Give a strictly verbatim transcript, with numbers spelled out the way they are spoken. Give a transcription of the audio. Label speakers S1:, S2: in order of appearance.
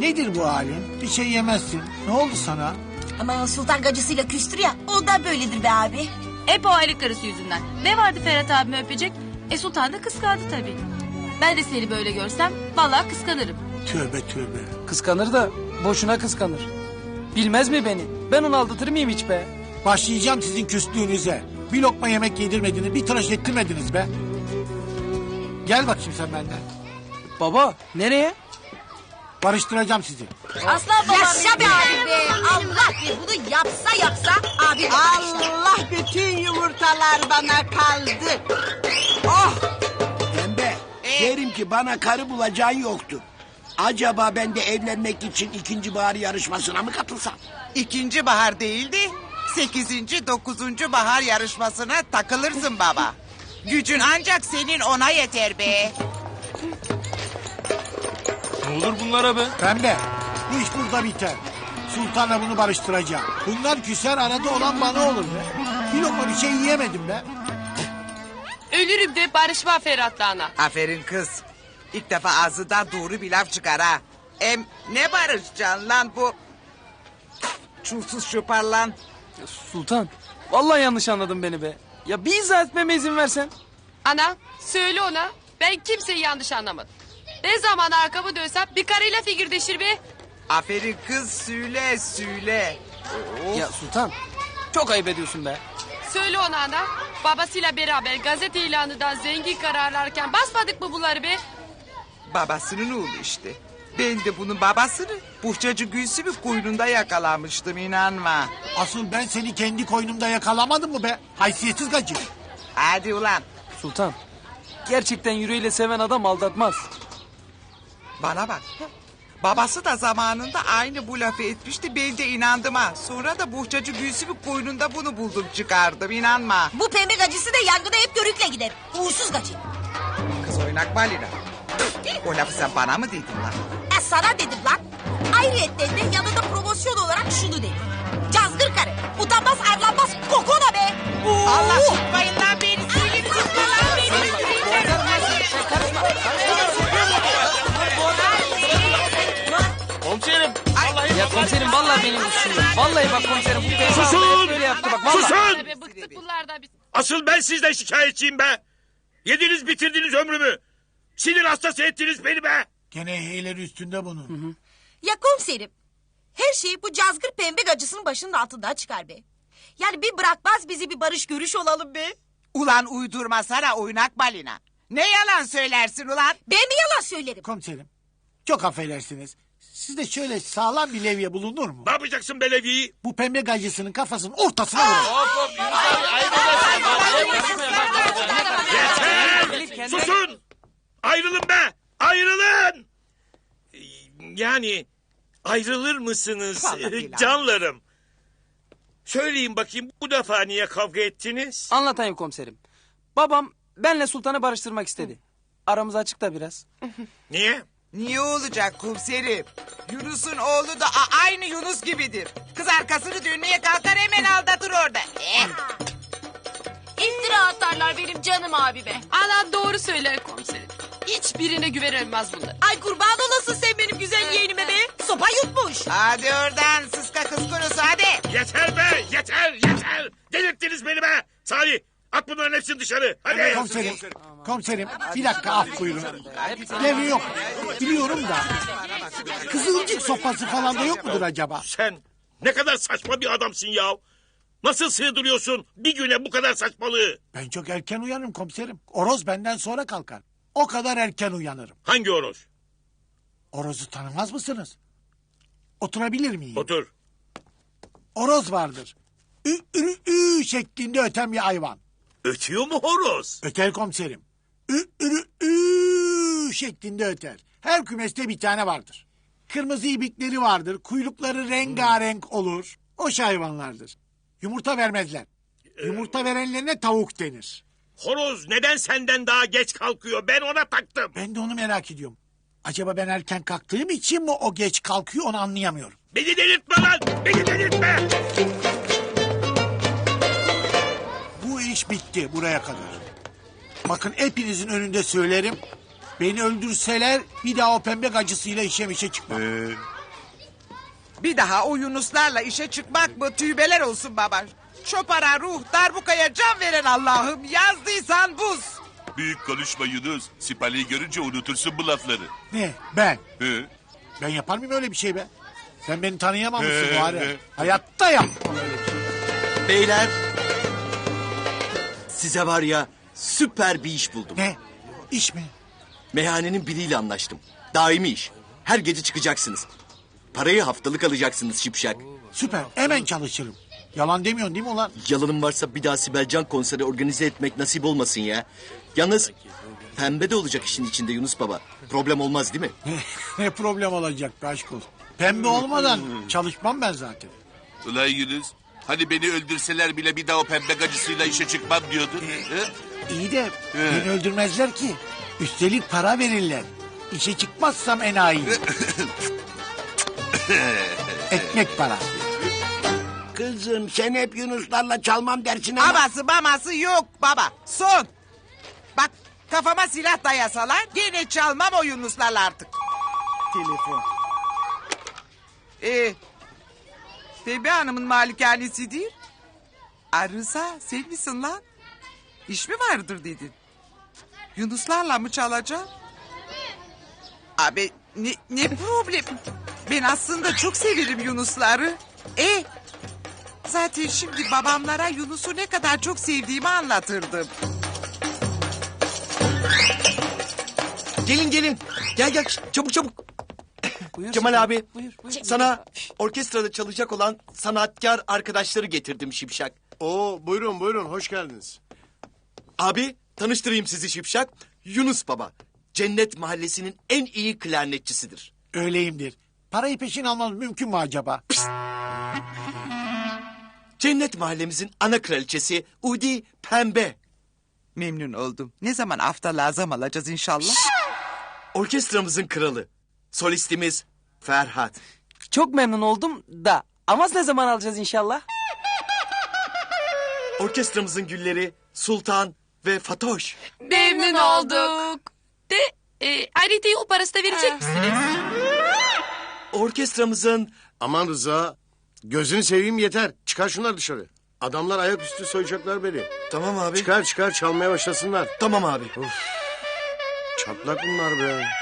S1: Nedir bu halin? Bir şey yemezsin. Ne oldu sana?
S2: Ama sultan gacısıyla küstür ya, ondan böyledir be abi.
S3: Hep o aylık karısı yüzünden. Ne vardı Ferhat abimi öpecek? E sultan da kıskandı tabii. Ben de seni böyle görsem vallahi kıskanırım.
S1: Tövbe tövbe.
S4: Kıskanır da boşuna kıskanır. Bilmez mi beni? Ben onu aldatır mıyım hiç be?
S1: Başlayacağım sizin küslüğünüze. Bir lokma yemek yedirmediniz, bir tıraş ettirmediniz be. Gel bakayım sen benden.
S4: Baba nereye?
S1: Barıştıracağım sizi.
S2: Aslan babam yaşa be abi be. Allah bir bunu yapsa yapsa abi.
S5: Allah bütün yumurtalar bana kaldı. Oh!
S6: Pembe, derim ki bana karı bulacağın yoktur. Acaba ben de evlenmek için ikinci bahar yarışmasına mı katılsam?
S5: İkinci bahar değildi. Sekizinci, dokuzuncu bahar yarışmasına takılırsın baba. Gücün ancak senin ona yeter be.
S7: Ne olur bunlara be?
S1: Pembe, bu iş burada biter. Sultanla bunu barıştıracağım. Bunlar küser, arada olan bana olur be. Bir lokma bir şey yiyemedim be.
S3: Ölürüm de barışma Ferhat'la ana.
S5: Aferin kız. İlk defa ağzından doğru bir laf çıkar ha. Em ne barışacaksın lan bu? Çulsuz şuparlan.
S4: Ya Sultan, vallahi yanlış anladın beni be. Ya bir izah etmeme izin versen.
S8: Ana söyle ona, ben kimseyi yanlış anlamadım. Ne zaman arkamı dönsem bir karıyla figürdeşir be.
S5: Aferin kız, söyle söyle. Oh.
S4: Ya Sultan, çok ayıp ediyorsun be.
S8: Söyle ona ana, babasıyla beraber gazete ilanından zengin kararlarken basmadık mı bunları be?
S5: Babasının oğlu işte. Ben de bunun babasını Buhçacı Gülsüm'ün koynunda yakalamıştım, inanma.
S1: Asıl ben seni kendi koynumda yakalamadım mı be? Haysiyetsiz gacı.
S5: Hadi ulan.
S4: Sultan, gerçekten yüreğiyle seven adam aldatmaz.
S5: Bana bak. Babası da zamanında aynı bu lafı etmişti, ben de inandım ha. Sonra da Buhçacı Gülsüm'ün koynunda bunu buldum çıkardım, inanma.
S2: Bu pembe gacısı da yangına hep körükle gider. Uğursuz gacı.
S5: Kız oynak balina. O lafı sen bana mı dedin lan?
S2: E sana dedim lan. Ayrıyetten de yanında promosyon olarak şunu dedim. Cazgır karı. Utanmaz arlanmaz kokona be. Oo.
S5: Allah tutmayın lan beni. Söyleyin tutma lan beni.
S7: Komiserim. Vallahi
S4: Ya komiserim vallahi benim suçum. Vallahi bak komiserim bu beyefendi
S7: Susun!
S4: hep böyle yaptı bak vallahi.
S7: Susun!
S8: Be, bıktık bunlardan biz.
S7: Asıl ben sizden şikayetçiyim be. Yediniz bitirdiniz ömrümü. Sinir hastası ettiniz beni be.
S1: Gene heyleri üstünde bunun. Hı hı.
S2: Ya komiserim. Her şey bu cazgır pembe gacısının başının altından çıkar be. Yani bir bırakmaz bizi bir barış görüş olalım be.
S5: Ulan uydurma sana oynak balina. Ne yalan söylersin ulan?
S2: Ben mi yalan söylerim?
S1: Komiserim, çok affedersiniz. Sizde şöyle sağlam bir levye bulunur mu?
S7: Ne yapacaksın belediyeyi?
S1: Bu pembe gacısının kafasının ortasına vurun.
S7: Hop hop Yunus abi ayıp edersin. Yeter! Susun! Ayrılın be! Ayrılın! Yani ayrılır mısınız
S5: Vallahi
S7: canlarım? Söyleyin bakayım bu defa niye kavga ettiniz?
S4: Anlatayım komiserim. Babam benle Sultan'ı barıştırmak istedi. Aramız açık da biraz.
S7: Niye?
S5: Niye olacak komiserim? Yunus'un oğlu da a- aynı Yunus gibidir. Kız arkasını dönmeye kalkar hemen aldatır orada. Eh.
S3: İftira atarlar benim canım abime.
S8: Ana doğru söyler komiserim. Hiçbirine güvenilmez bunlar.
S2: Ay kurban olasın sen benim güzel yeğenime be. Sopa yutmuş.
S5: Hadi oradan sıska kız kurusu hadi.
S7: Yeter be! Yeter! Yeter! Delirttiniz beni be! Salih! At bunların hepsini dışarı! Hadi!
S1: Komiserim, komiserim bir dakika af buyurun. Levye yok, biliyorum da. Kızılcık sopası falan da yok mudur acaba?
S7: Sen ne kadar saçma bir adamsın ya! Nasıl sığdırıyorsun bir güne bu kadar saçmalığı?
S1: Ben çok erken uyanırım komiserim. Oroz benden sonra kalkar. O kadar erken uyanırım.
S7: Hangi horoz?
S1: Oroz'u tanımaz mısınız? Oturabilir miyim?
S7: Otur.
S1: Oroz vardır. Ü, ü, ü şeklinde öten bir hayvan.
S7: Ötüyor mu horoz?
S1: Öter komiserim. Ü, ü, ü şeklinde öter. Her kümeste bir tane vardır. Kırmızı ibikleri vardır. Kuyrukları rengarenk olur. O hayvanlardır. Yumurta vermezler. Yumurta verenlerine tavuk denir.
S7: Horoz neden senden daha geç kalkıyor? Ben ona taktım.
S1: Ben de onu merak ediyorum. Acaba ben erken kalktığım için mi o geç kalkıyor onu anlayamıyorum.
S7: Beni delirtme lan! Beni delirtme!
S1: Bu iş bitti buraya kadar. Bakın hepinizin önünde söylerim. Beni öldürseler bir daha o pembe gacısıyla işe mişe çıkmam.
S7: Ee,
S5: Bir daha o Yunuslarla işe çıkmak mı tüybeler olsun baba. Çopara ruh darbukaya can veren Allah'ım yazdıysan buz.
S7: büyük konuşma Yunus. Sipali'yi görünce unutursun bu lafları.
S1: Ne? Ben?
S7: He?
S1: Ben yapar mıyım öyle bir şey be? Sen beni tanıyamamışsın
S7: He,
S1: bari.
S7: he.
S1: Hayatta yapmam öyle bir şey.
S9: Beyler, size var ya süper bir iş buldum.
S1: Ne? İş mi?
S9: Meyhanenin biriyle anlaştım. Daimi iş. Her gece çıkacaksınız. Parayı haftalık alacaksınız şipşak.
S1: Süper. Hemen çalışırım. Yalan demiyorsun değil mi ulan?
S9: Yalanım varsa bir daha Sibel Can konseri organize etmek nasip olmasın ya. Yalnız pembe de olacak işin içinde Yunus Baba. Problem olmaz değil mi?
S1: Ne problem olacak be aşk olsun. Pembe olmadan çalışmam ben zaten.
S7: Ulan Yunus. Hani beni öldürseler bile bir daha o pembe gacısıyla işe çıkmam diyordun. He?
S1: İyi de beni öldürmezler ki. Üstelik para verirler. İşe çıkmazsam enayi. Ekmek parası.
S6: Kızım sen hep Yunuslarla çalmam dersin ama...
S5: Aması maması yok baba. Son. Bak kafama silah dayasalar gene çalmam o Yunuslarla artık. Telefon. Ee, Pembe Hanım'ın malikanesi değil. Arıza sen misin lan? İş mi vardır dedin? Yunuslarla mı çalacağım? Abi ne, ne problem? Ben aslında çok severim Yunusları. E zaten şimdi babamlara Yunus'u ne kadar çok sevdiğimi anlatırdım.
S9: Gelin gelin. Gel gel çabuk çabuk.
S4: Buyur
S9: Kemal
S4: Sultan,
S9: abi
S4: Buyur, buyur.
S9: sana orkestrada çalışacak olan sanatkar arkadaşları getirdim şipşak.
S10: Oo buyurun buyurun hoş geldiniz.
S9: Abi tanıştırayım sizi şipşak. Yunus Baba. Cennet Mahallesi'nin en iyi klarnetçisidir.
S1: Öyleyimdir. Parayı peşin almam mümkün mü acaba?
S9: Cennet Mahallemizin ana kraliçesi Udi Pembe.
S5: Memnun oldum. Ne zaman hafta lazım alacağız inşallah?
S9: Orkestramızın kralı. Solistimiz Ferhat.
S4: Çok memnun oldum da Amaz ne zaman alacağız inşallah?
S9: Orkestramızın gülleri Sultan ve Fatoş.
S8: Memnun olduk. De e, ayrıca yol parası da verecek misiniz?
S9: Orkestramızın
S10: Aman Rıza gözünü seveyim yeter. Çıkar şunları dışarı. Adamlar ayaküstü soyacaklar beni.
S9: tamam abi.
S10: Çıkar çıkar çalmaya başlasınlar.
S9: Tamam abi.
S10: Çatlak bunlar be.